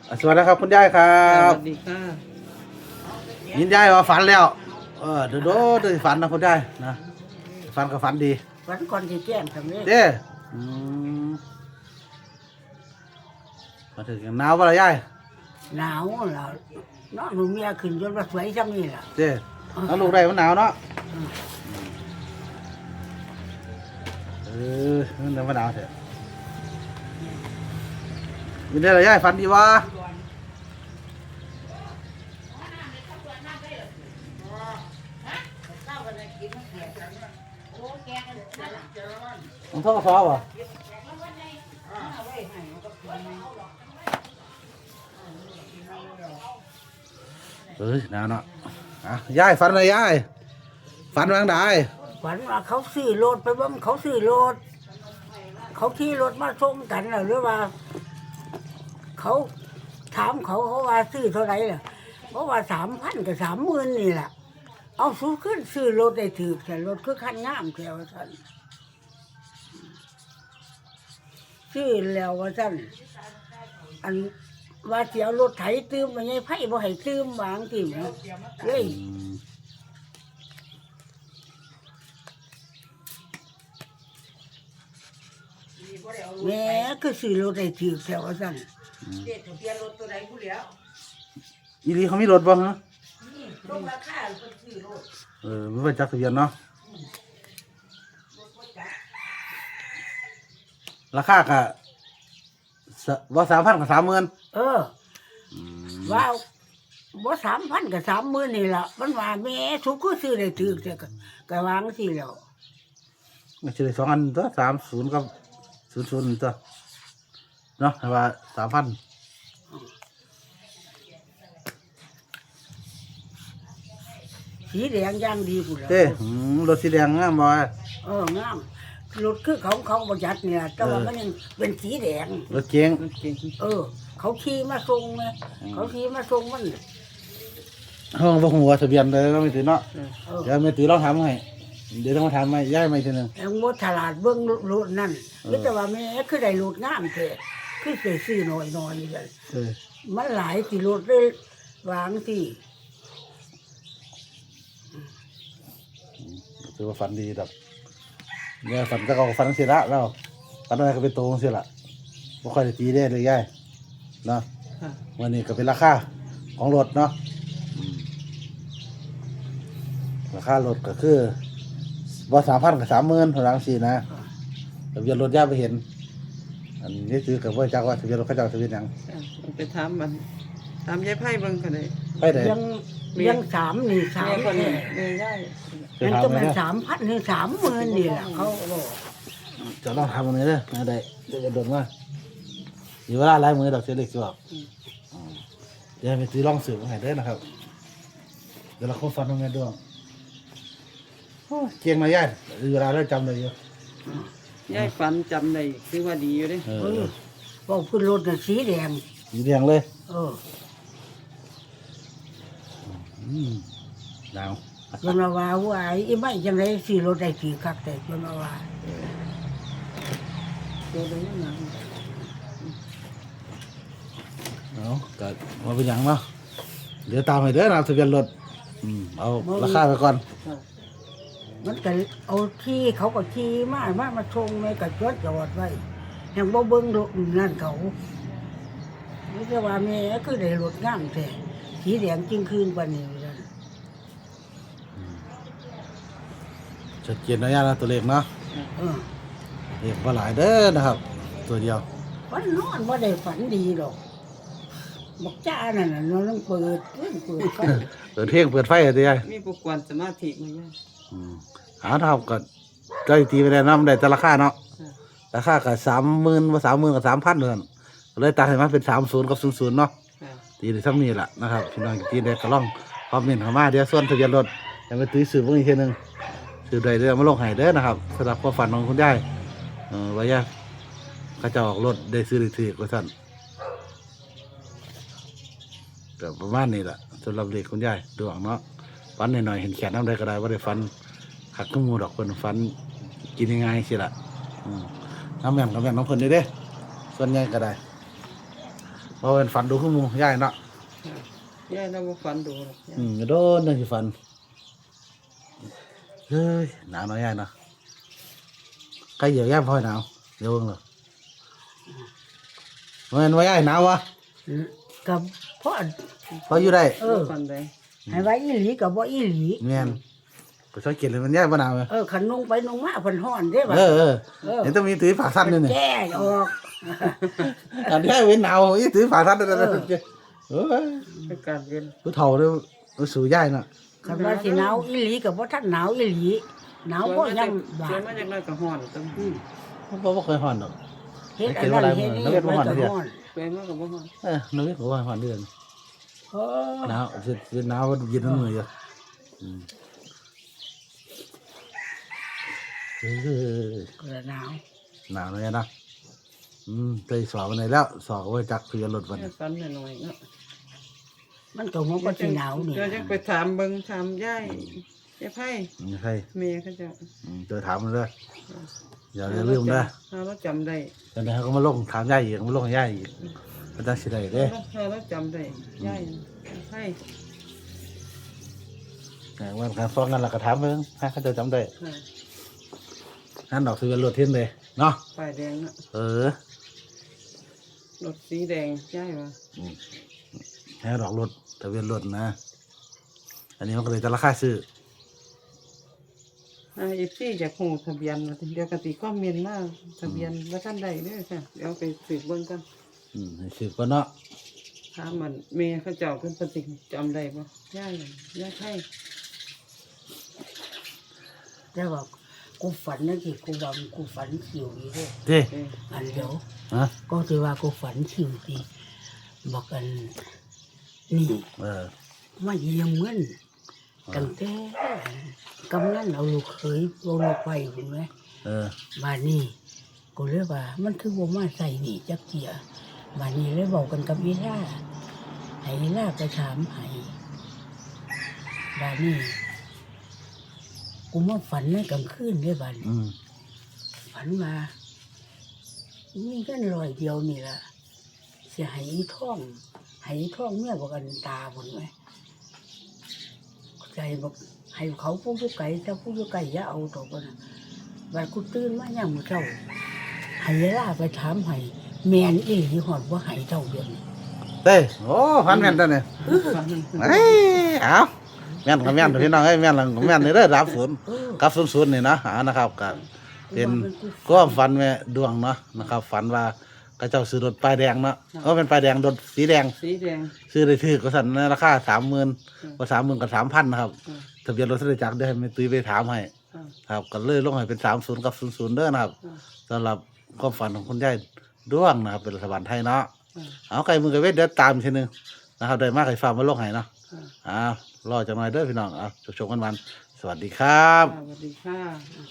สวัสดีครับคุณยายครัสบวัสดีค่ะยินยายว่าฝันแล้วเดี๋ยวฝันนะคุณยายนะฝันก็ฝันดีวันก่อนที่แจ้งทำนี้เด้อืมมาถึงหนาวป่ะล่ะยายหนาวแล้วน้องหนูเมียขึ้นจนว่าสวยจังนี่ล่ะเด้แล้วลูกได้มันหนาวเนาะเออมันเดี๋ยวมันหนาวเถอะยินได้ละยายฝันดีวะมันท่อซอป่ะหนาวเนาะยายฝันอะไรยายฝันวางได้ฝันว่าเขาซื้อรถไปบ้างเขาซื้อรถเขาขี่รถมาส่งกันหรือว่า เขาถามเขาว่าซื้อเท่าไหร่ล่ะเพราะว่า3,000 กับ30,000นี่แหละเอาสู้ขึ้นซื้อรถได้ถือแต่รถคือคันงามแถวท่านซื้อแล้วว่าท่านอันว่าเสียรถไถตื้มมันยังไผ่บ่ให้ตื้มวางติ่มเลยแม่คือซื้อรถได้ถือแถวท่านเด็กทะเบียนรถตัวไหนผู้เหลียวอีลีเขามีรถบ้างฮะลงราคาคนซื้อรถไม่เป็นจักรยานเนาะราคากะว่า3,000 กับ 30,000 ว่าบ่3,000 กับ30,000นี่ล่ะมันว่าแม่ทุกคือซื้อได้ถือแต่ก็วางสิแล้วไม่ใช่2 อันตัว30กับ00ตัวเนาะว่า3,000 สีแดงย่างดีพุ่นแล้วรถสีแดงงามบ่งามรถคือเขาประหยัดเนี่ยแต่ว่ามันยังเป็นสีแดงรถเก๋งเขาขี่มาส่งไงเขาขี่มาส่งมันห้องบ่ฮู้ว่าทะเบียนเลยเราไม่ถือเนาะเดี๋ยวไม่ถือลองถามให้เดี๋ยวต้องมาถามใหม่ย้ายใหม่ทีนึงแล้วงดตลาดเบิ่งรถนั่นแต่ว่าแม่คือได้รถงามแท้คือสิซื้อน้อยๆนี่กันมันหลายสิรถเลยวางสิถือว่าฝันดีดอกเนี่ยฝันก็ฝันเสียละแล้วฝันอะไรก็เป็นโตเสียละไม่ค่อยได้ตีได้เลยย่ายเนาะวันนี้ก็เป็นราคาของรถเนาะราคารถก็คือว่า3,000 กับ 30,000เท่านั้นสินะทะเบียนรถย่าไปเห็นอันนี้ซื้อกับว่าจักว่าทะเบียนรถเขาจะทะเบียนยังไปถามมันถามยายไพ่เบิ่งกันเลยไปไหนยัง3นี่3 คนนี้ได้มันจะเป็น3,000 ถึง 30,000นี่แหละเขาบอกจะต้องทำอะไรเนี่ยนะได้จะโดนว่าอยู่เวลาไล่มือดอกเสียเล็กสิบอกเดี๋ยวไปซื้อล่องสืบมาให้ได้นะครับเดี๋ยวเราเข้าฟันตรงนี้ด้วยเกียงมาย่ายเวลาเราจำเลยอยู่ยายฝันจำได้คือว่าดีอยู่เด้บอกขึ้นรถน่ะสีแดงเลยดาวจนมาว่าอีไม่จังไรสีรถได้สีคักแต่จนมาว่าตัวเดียวนั่นก็มาเป็นอย่างเนาะเดี๋ยวตามไปเด้อนะทะเบียนรถเอาราคาไปก่อนมันก็เอาที่เขาก็ขี่มาชงในกระจกจอดไว้ยังบ่เบิ่งรถนั่นเขานี่จะว่าแม่คือได้รถงามแท้สีแดงจริงคืนกว่านี้ชัดเจนนะย่านะตัวเลขเนาะเลขว่าหลายเด้อนะครับตัวเดียวฝันนอนว่าได้ฝันดีหรอกบอกจ้านั่นน่ะนอนต้องเปิดไฟเปิดไฟอะไรยายมีปุกวนสมาธิมั้ยหาเท่ากับก็ตีไปได้นะมันได้แต่ราคาเนาะราคากับ30,000ว่า30,000 กับ 3,000เลยเลยตาเห็นมันเป็น30 กับ 00เนาะตีได้ทั้งนี้แหละนะครับพี่น้องตีได้ก็ลองคอมเมนต์เข้ามาเดี๋ยวส่วนทะเบียนรถยังไปตื้อสืบเพิ่งอีกทีนึงสืบใดเด้อมาลงให้เด้อนะครับสำหรับความฝันของคุณยายว่าย่าเขาจะออกรถได้ซื้อได้ถือก็สั่นแต่ประมาณนี้แหละสำหรับเด็กคุณยายดวงเนาะฟันหน่อยๆเห็นแขนน้ำได้ก็ได้ว่าได้ฟันขัดขึ้นมูดอกคนฟันกินยังไงสิล่ะน้ำแม่น้ำเพิ่นได้ส่วนใหญ่ก็ได้ราะเป็นฝันดูขึ้นมูย่ายเนาะค่ะยายเราบ่ฝันดูหรอกยายโดนนั่นคือฝันเฮ้ยหนาวเนาะย่ายเนาะใครเหยียบย่ายพ่อยหนาวเดี๋ยวเบิ่งเลยมันว่าย่ายหนาววะกับพ่อพออยู่ได้บ่ฝันใดให้ไว้อีหลีกับบ่อีหลีแม่นไปช่วยเก็บเลยมันย่ายบ่หนาวเลยขันนุ่งไปนุ่งมาเพิ่นฮ้อนเด้บ่ะเห็นต้องมีถือฝาสั้นด้วยเนี่ยแก้ออกอันนี้เว้นหนาวอีถือฝาสั้นด้วยนะเออประกาศเย็นผู้เฒ่าเลยรู้สูย่ายเนาะคันว่าสิหนาวอีหลีกับบ่ทันหนาวอีหลีหนาวบ่ยังบาสวยดมาจากน้อยก็ฮ้อนตึงผมบ่เคยห่อนดอกเฮ็ดอันนั้นเฮ็ดนี่มันก็ฮ้อนสวยมากก็บ่ฮ้อนนึกว่าห่อนเดือนโอ้หนาวสิหนาวเย็นมืออยู่กระหนาวหนาวเลยนะไปสอบวันไหนแล้วสอบไว้จักคือรถวันยายฝันหน่อยๆเนาะมันก็มันก็สิหนาวนี่เดี๋ยวจะไปถามเบิ่งถามยายไผไม่ใช่แม่เขาเจ้าเจอถามมันเลยอย่าลืมนะเราจำได้ตอนนี้เขาก็มาลงถามย่าอีกมาลงย่าอีกมันจะสิได้เด้เราจำได้ยายไผวันการฟ้องกันเราก็ถามเพิ่งให้เขาจะจำได้ค่ะนั่นดอกคือรถเทียนเลยเนาะป้ายแดงเนาะ รถสีแดงยายว่าให้ดอกรถทะเบียนรถนะ อันนี้มันก็เลยจะราคาซื้อ FC จากหูทะเบียนว่าเดี๋ยวกติคอมเมนต์มาทะเบียนว่าท่านใดเด้อค่ะเดี๋ยวไปสืบเบิ่งกันให้ซื้อก็เนาะถามมันแม่เขาเจ้าเพิ่นปฏิจำได้บ่ยายไผแต่ว่ากูฝันนั่นสิกูว่ากูฝันคิวอยู่เด้เด้อันเดียวฮะก็สิว่ากูฝันคิวสิบอกกันนี่ มาเยี่ยมเงินตั้งแต่กำนันเอาลูกเขยเอาลูกไปเห็นไหม บ้านนี้กูเลยว่ามันคือบ่มาใส่หนี่จักเจียบ้านนี้เลยบอกกันกับอีล่าให้อีล่าไปถามให้บ้านนี้กูมาฝันในกลางคืนเลยบ้านฝันมามีกัน100เดียวนี่ล่ะสิให้อีท่องเมียบอกกันตาพุ่นไหมใจบอกให้เขาผู้อยู่ไกลแต่ผู้อยู่ไกลอย่าเอาตัวกันบัดกูตื่นมาย่างมื้อเช้าให้เวลาไปถามให้แม่นอีหลีฮอดบ่ให้เจ้าเดือนเด้โอ้พันแม่นตัวเนี่ยเอาแม่นกับแม่นพี่น้องแม่นหลังแม่นนี่เด้อรับศูนย์กับ00นี่นะนะครับก็เป็นก็ฝันแม่ดวงเนาะนะครับฝันว่าก็เจ้าซื้อรถป้ายแดงเนาะก็เป็นป้ายแดงรถสีแดงสีแดงซื้อได้ถือก็สั่นในราคา30,000ว่า30,000กับ3,000นะครับทะเบียนรถจักรได้ให้แม่ตุ้ยไปถามให้ครับก็เลยลงให้เป็น30กับ00เด้อนะครับสำหรับความฝันของคุณยายดวงนะครับเป็นรัฐบาลไทยเนาะเอาไก่มือกับเวทเดี๋ยวตามอีกทีนึงนะครับได้มากไก่ฟ้ามาลงให้เนาะรอจังหน่อยเด้อพี่น้องเอาชมกันวันสวัสดีครับสวัสดีค่ะ